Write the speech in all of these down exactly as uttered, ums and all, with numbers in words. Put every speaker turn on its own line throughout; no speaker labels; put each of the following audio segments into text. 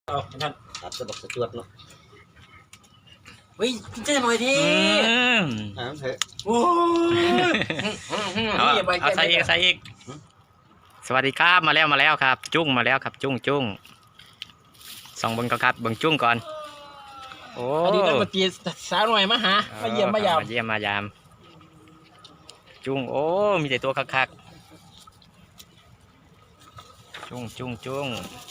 เอาท่าน
ครับจะบอกสะจวดเนาะ
เฮ้ยกินเจ๊หน่อยที
น้ำเถอะ
โอ้ย
เอาเอาใส่อีกใส่อีกสวัสดีครับมาแล้วมาแล้วครับ จุ้งมาแล้วครับ จุ้งจุ้งส่องเบิ้งก่อนครับเบิ้งจุ้งก่อนโอ้
อดีตนักดนตรีสาวหน่อยมาหามาเยี่ยมมายาม
มาเยี่ยมมายาม จุ้งโอ้มีแต่ตัวคักๆจุ้งจุ้งจุ้ง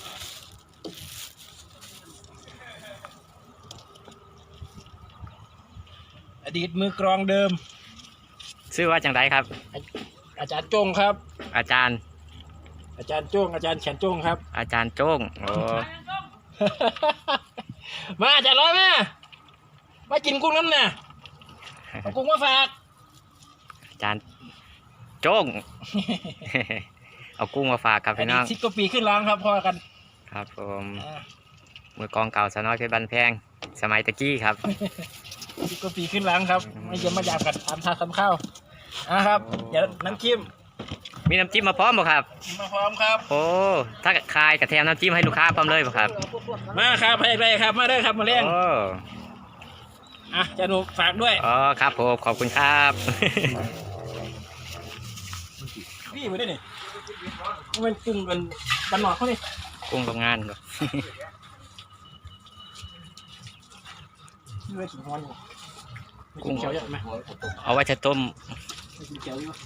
อดีตมือกรองเดิม
ชื่อว่าจังไรครับ
อาจารย์จงครับ
อาจารย์
อาจารย์จงอาจารย์แขนจงครับ
อาจารย์โจ้งโอ้
มาอาจารย์ร้อยมามากินกุ้งน้ำน่ะเอากุ้งมาฝาก
อาจารย์โจ้ง เอากุ้งมาฝากครับ
อ
พี่
ดี
น้
ต
อง
สิบกว่าปีขึ้นล้างครับพอกัน
ครับผม
อ่า
มือกองเก่าสาวน้อยเพชรบันแพงสมัยตะกี้ครับ
สิบกว่าปีขึ้นล้างครับมาเยี่ยมมายามกันตามทางคำข้าวอ่ะครับเดี๋ยวน้ำจิ้ม
มีน้ำจิ้มมาพร้อมบ่ครับ
มาพร้อมครับ
โอ้ถ้าคายกระแทมน้ำจิ้มให้ลูกค้าพร้อมเลยบ่ครับ
มาครับให้ได้ครับมาได้ครับมาเลี้ยง
โอ้
อ่ะจะหนูฝากด้วย
อ๋อครับผมขอบคุณครับ
พี่มาได้นี่มันกุ้งกันบันหนอกเขานี่
กุ้งโรงงานบ่
ไม่กินฮ้อนอยู่ไม่กินเขียวเยอะไหม
เอาไว้จะต้ม
ไม่กินเขียวอยู่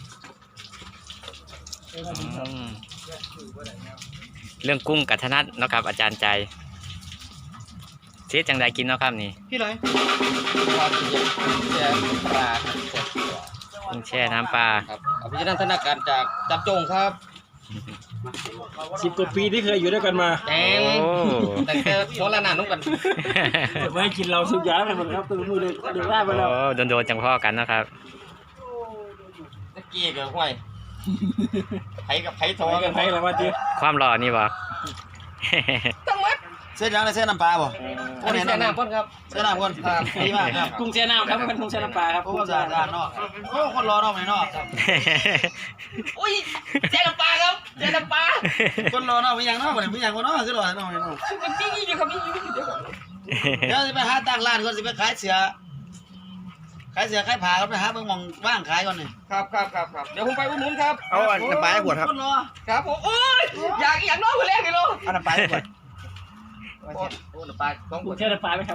อืมเรื่องกุ้งกับธนัทเนาะครับอาจารย์ใจเสียจังใดกินเนาะครับนี่
พี่เลยความเย็นแช่ปลาครับ
กุ้งแช่น้ำปลา
ครับอภินันทนาการจากจับจงครับ
สิบกว่าปีที่เคยอยู่ด้วยกันมา
แดง
โอ้
แต่แค่โซลานานุ่งกัน
ไม่ให้กินเราสุกยาไปหมดครับตัวมือเดือดเดือดได้ไปแล้ว
โอ้โดนโดนๆจังพ่อกันเนาะครับ
ตะกี้กับห้วยไผ่กับไผ่ท
ถ
อ
อย
กั
กัน นไปแล้วว่าจี
ความหล่อนี่บ่
ต้องมัดเส้นยังเลยเส้นน้ำปลาบ่อันนี้เส้นน้ำก้นครับเส้นน้ำก้นครับดีมากครับ
กุ้งแช่น้ำครับเป็นกุ้งแช่น้ำปลาครับ
โอ้สะอาดสะอาดเนาะโอ้คนรอนอกไหนนอกครับอุ้ยเส้นน้ำปลาครับเส้นน้ำปลาคนรอนอกไม่ยังนอกบ่ไม่ยังคนนอกคือรอนอกไม่นอกพี่ยี่อยู่ครับพี่ยี่อยู่เดี๋ยวเดี๋ยวจะไปหาตั้งร้านก่อนสิไปขายเสือขายเสือขายผ้าก็ไปหาเบิ่งมองว่างขายก่อนนี่ครับครับครับครับเดี๋ยวผมไปอุดหนุนครับเอาน้ำปลาให้ขวดครับครับผมโอ้ยอยากอยากนอกคนแรกเลยลูกเอาน้ำปลาให้ขวดโอ้น้ำปลาสองข
กุ้
ว
ง
ด
แช่น้ำปลาไหมครับ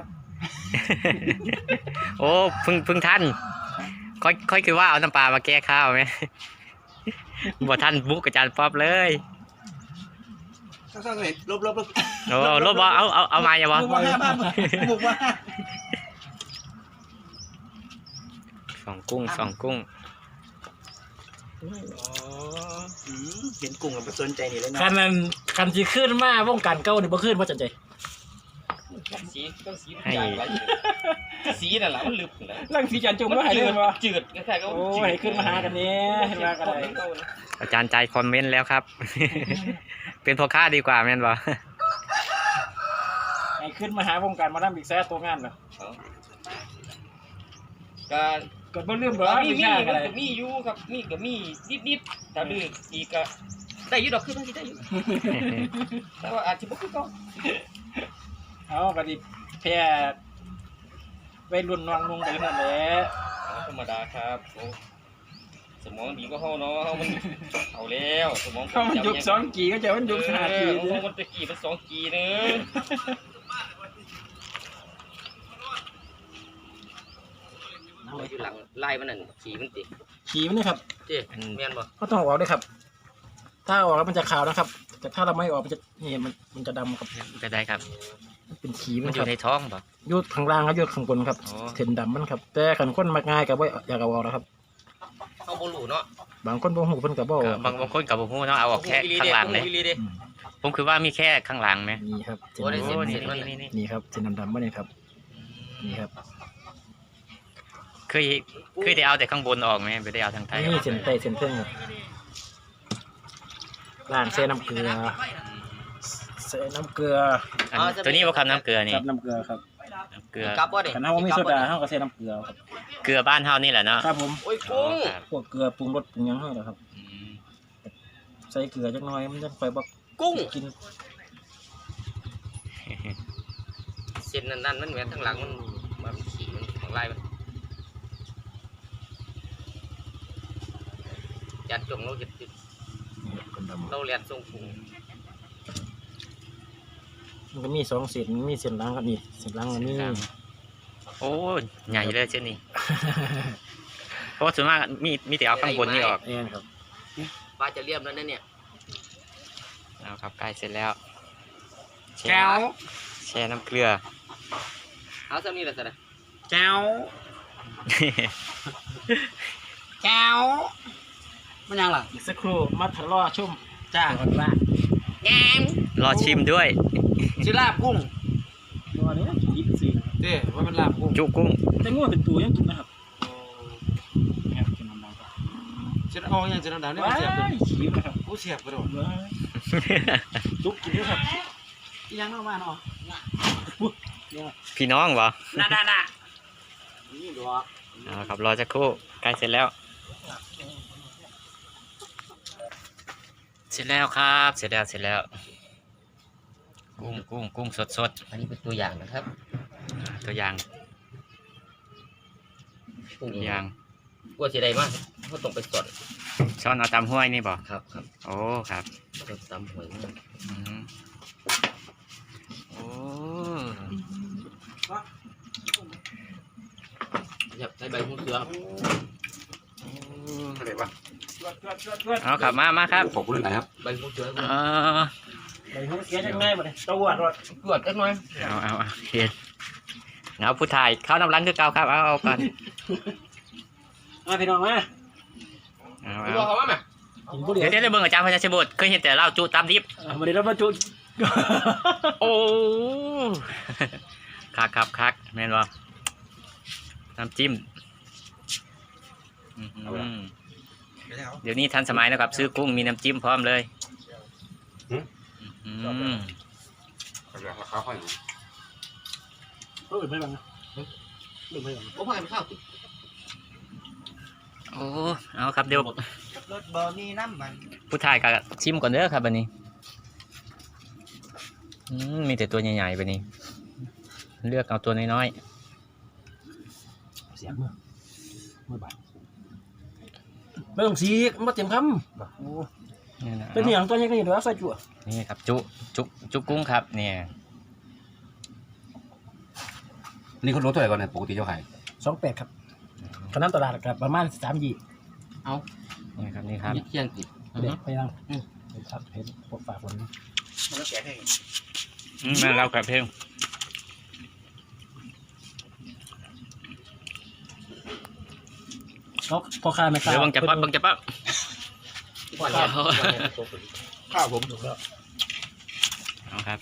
โอ้เพึ่งเพึ่งท่านค่อยค่อยคือว่าเอาน้ำปลามาแก้ข้าวไหม บ่ท่านบุกอาจารย์ป๊อบเลย
ข้างๆเห็นลบลบลบ
โอ้รถบ่เอาเอาเอามาอย่าบ่
บุกมาห้าบ้านบุกมา
สองกุ้งสองกุ้ง
เห็นกุ้งกับสนใจนี่เลยเนาะ
คันนั้นคันที่ขึ้นมาวงการเก้านี่บ่ขึ้นว่าจะใจ
สีต้องสีสีนั่นแหละมันลึกเลย
ร่างสีจันจงว่าหายเลยว่า
จืดคล้ายๆก็
โอ้ยขึ้นมาหากันเนี้ยเห็นว่ากันเลย
อาจารย์ใจคอมเมนต์แล้วครับ เป็นพ่อค้าดีกว่าแม่นบ่
ไอ้ขึ้นมาหาวงการมานั่งบิ๊กแซ่ตัวงานเหรอ
ก็
ก็บ่ลืมบ่
มี
มี
มี
ชา
ก็
กันเลย
มีอยู่ครับมีก็มีนิดๆถ้าดื้ออีกก็ได้อยู่ดอกคือมันสิได้อยู่แต่ว่าอาจจะบ่คือเก่า
เอาบัดนี้แพ้ไปรุ่นนองนงไปนั่นแหละ
ธรรมดาครับสมองดีก็เฮาเนาะเฮามันเอาแล้วสมอง
เขามันยุคสองกีก็จะมันยุคห้ากี
เออมันตะกี้มันสองกีเด้ออยู่หลังไล่มันนั่นขี่มันติ
ขี่มันนี่ครับ
เจ๊แม่นบ่
ก็ต้องเอาออกด้วยครับ ถ้าเอาออกแล้วมันจะขาวนะครับ แต่ถ้าเราไม่ออกมันจะนี่มันมันจะดำครับ
จะได้ครับ
มันเป็นขี
มั
มัน น
อ
ครั
ยู่
บ
ในท้องบ่
ยุดข้างล่างครับยุดข้างบนครับ
อ๋อ
เส้นดำมันครับ แต่ขันคนมักง่ายกับว่าอยากเอาออกนะครับ
เอาบ่รู้เนาะ
บางคนบ่หูเพิ่นก็บ่
ก็บางบางคนกับบ่ฮู้เนาะเอาออกแค่ข้างหลังเลย
อืม
ผมคือว่ามีแค่ข้างหลังไหม
นี่ครับเส้น
โอ้ได้
โอ้
เส้น
นี่
เส้นมัน
นี่นี่
นี่ครับเส้นดำๆมาเนี่ยครับ นี่ครับ
เคยเคยได้เอาแต่ข้างบนออกไหมไม่ได้เอาทางใต้อ
นี่
อก
เส้นใต้เส้นเพิ่งครับล้างเส้นน้ำเกลือเส้นน้ำเกลือ
อันตัวนี้ว่าคำน้ำเกลือนี่
กับน้ำเกลือครับ
น้ำเกลือ
กลับบ่ดิ
ขันเอาไม่โซดาเฮาก็ใส่น้ำเกลือครับ
เกลือบ้านเฮานี่แหละเนาะ
ครับผม
โอ้ย
อ๋อ
กุ้ง
ครับ
พวกเกลือปรุงรสปรุงหยังเฮาเหรอครับ
อืม
ใส่เกลือจักหน่อยมันจะค่อยบ่
กุ้ง
กิน
เส้นนั่นๆมันเหมือนทั้งหลังมันมันขี่มันของลายมันจัดจงเราจะเราเรียนทรงผู
มันก็มีสองเส้นมีเส้นหลังกับนี่เส้นหลังอันนี้
โอ้ใหญ่เลยเส้นนี้ เพราะส่วนมากมีมีแต่เอาข้างบนนี่ออก
เองครับ
ปลาจะเรียบแล้วนั่นเนี่ย
เอาครับใกล้เสร็จแล้วแช่
แก้ว
แช่น้ำเกลือ
เอาซ้ำนี่แหละสินะ
แก้ว
แก้วมันยังล่ะ
อีกสักครู่มาทะเลาะชุ่ม
จ้า
ก่อนว่า
แงม
รอชิมด้วย
ชื่อลาบกุ้ง
ตัวนี้กินสิ
เด้ว่าเป็นลาบกุ้ง
จุกุ้ง
แต่งัวเป็นตัวยังกินนะครับครับกินน้ำมันครับ
ชื่อเอาอย่างชื่อดาวเนี่ย
ว้า
เสียบเลย
ยขี้นะครับ
กูเสียบกระโดด
ว้ายจุกกินด้วยครับ
อีหยังเอามาเนาะ
พี่น้องวะ
น่าน่าน่านี่ดอก
เอาครับรอสักครู่ใกล้เสร็จแล้ว เสร็จแล้วครับเสร็จแล้วเสร็จแล้ว กุ้งกุ้งกุ้งสดสด
อันนี้เป็นตัวอย่างนะครับ
ๆตัวอย่าง
กุ้ง
ตัวอย่าง
กลัวเสียดายมากเขาต้องไปสด
ช้อนเอาตำห้วยนี่บ่
ครับครับ
โอ้ครับ
สดตำหอยมาก
อืมโอ้
อยากใส่ใบหูเสือ
อะไรวะ
เอาครับมามาครับ
ขอบคุณหน่อยครับ
ใบหูเสือ
เออ
ไปห้องเสียจังไงบ่เนี่ยตัวรถ
ตรวจกันหน่อย
เอาเอาเอาเห็นเอาผู้ถ่ายเข้าน้ำรังคือเก่าครับเอาเอาก่อน
มาพี่น้องมา
เอา
รู้
เอา
เขาว่าไหม
กินบุหรี่
เดี๋ยวเดี๋ยวเดี๋ยวเบิ่งอาจารย์พญาชิบุตรเคยเห็นแต่เล่าจุตามดิบ
มาเดี๋ยวเรามาจุ
โอ้คักครับคักแม่นบ่น้ำจิ้มอื้อหือเดี๋ยวนี้ทันสมัยนะครับ ซื้อกุ้งมีน้ำจิ้มพร้อมเลยอืม
ราคาค่อย
เออไม่บังนะไม่บัง
โอ้พ่อไปข้าว
โอ้เอาครับเดี๋ยว
รถบอนี่น้ำมัน
ผู้ถ่ายกับชิมก่อนเด้อครับวันนี้อืมมีแต่ตัวใหญ่ๆไปนี้ เลือกเอาตัวน้อย
เสียงมือมือบาดไม่ต้องสีมาเต็มคำโอ้
ๆนี่นะ
เป็นอย่างตัวนี้ก็อยู่ด้วยใส่จั่ว
นี่ครับจุจุจุกุ้งครับเนี่ย
นี่เขาลดเท่าไหร่ก่อนเนี่ยปกติเจ้าขาย
สองแปดครับขนาดตลาดกับประมาณสามยี่
นี่ครับนี่ครับ
เที่ยงติด
เด็กไปยังเห็นครับเห็นพวกฝากคน
มันก็แกะให้
อืมมาเรากับเพลง
เขาพอค้าไม่ค้า
เดี๋ยวบังจะปั๊บบังจะปั๊บ
พ่อเนี่ย
ข้าวผมถูกแล้ว
เอาครับ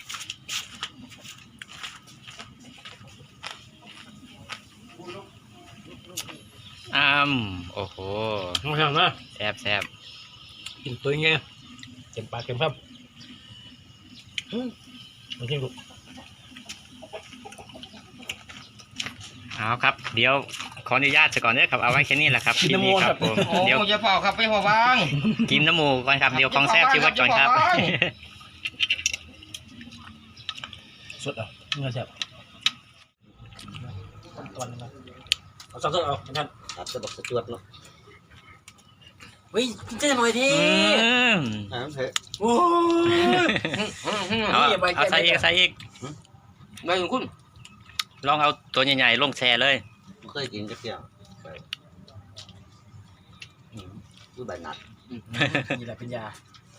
อ้ามโอ้โห
น้องช่างนะ
แซ่บแซ่บ
กินตัวยังไงเต็มปากเต็มคำไม่จริงลูก
เอาครับ เดี๋ยวขออนุญาตซะก่อนเด้อครับเอาไว้แค่นี้แหละครับคลิปนี้ครับผม
โอ้
เดี๋ยว
จะเผาครับไปหัววาง
กินน้ำหมูก่อนครับเดี๋ยวกองแซ่บชิวัดก่อนครับ
สุดอ่ะเนื้อแซ่บตอนนึงนะเอาสักเอาท่าน
ครับจะบอกสะจวดเนาะ
เฮ้ยกินเจ๊หน่อยที
อืม
อ่าเถอะ
โอ้ย
เอาเอาใส่อีกใส่อีก
ใบของคุณ
ลองเอาตัวใหญ่ๆลงแช่เลย
เคยกินจักเที่ยวดูใบนัด
นี่แหละเป็นยา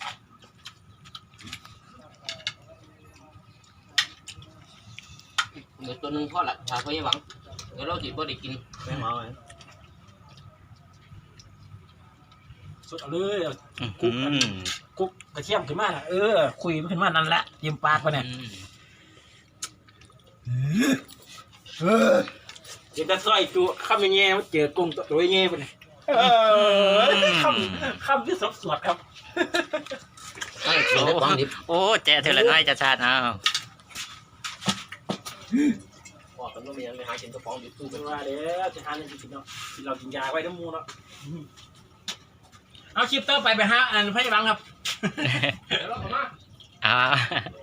เดี๋ยวตัวนึงพ่อละถ้าเขายังหวังเดี๋ยวเราจิบ่ได้กินไม่เมาไหม
สุดเอาเลยเอา
อืม
กุ๊กกระเทียมขึ้นมาน่ะเออคุยมันขึ้นมานั่นแหละยิ้มปากไปเนี่ยเออเดี๋ยวจะซอยจุคำยังไงมันเจอกุ้งตัวยังไงไปเนี่ยเออคำคำที่สดสดครับ
ไม่กินได้ต้องดิบ
โอ้แจ๊เธอละน้อยจะชาติเอา
บอกกันว่ามียังไงหากินกระป๋องดิบตู้
เป็นว่าเดี๋ยวจะทานอะไรกินเนาะกินเรากินยาไว้ทั้งมูเนาะเอาคลิปต่อไปไปฮะอันพี่บังครับ
เดี๋ยวเราเข้ามา
อ่า